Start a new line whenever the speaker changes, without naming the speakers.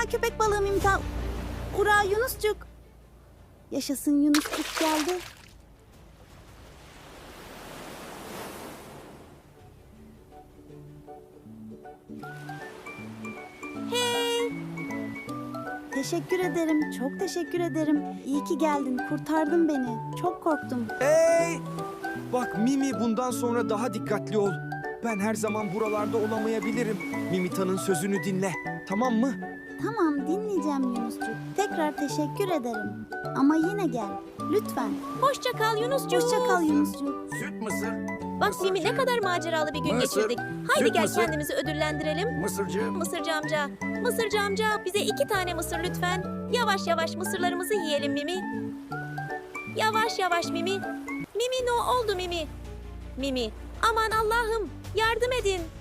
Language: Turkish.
köpek balığı Mimital. Ura Yunuscuk. Yaşasın, Yunuscuk geldi.
Hey!
Teşekkür ederim, çok teşekkür ederim. İyi ki geldin, kurtardın beni. Çok korktum.
Hey! Bak Mimi, bundan sonra daha dikkatli ol. Ben her zaman buralarda olamayabilirim. Mimita'nın sözünü dinle. Tamam mı?
Tamam, dinleyeceğim Yunuscuk. Tekrar teşekkür ederim. Ama yine gel, lütfen.
Hoşça kal Yunuscuğum.
Hoşça kal Yunuscuk.
Süt mısır.
Bak Mimi, ne kadar maceralı bir gün
Mısır.
geçirdik. Haydi
Süt
gel
mısır.
kendimizi ödüllendirelim.
Mısırcı.
Mısırcı amca, Mısırcı amca bize 2 tane mısır lütfen. Yavaş yavaş mısırlarımızı yiyelim Mimi. Yavaş yavaş Mimi. Mimi, ne oldu Mimi? Mimi, aman Allah'ım yardım edin.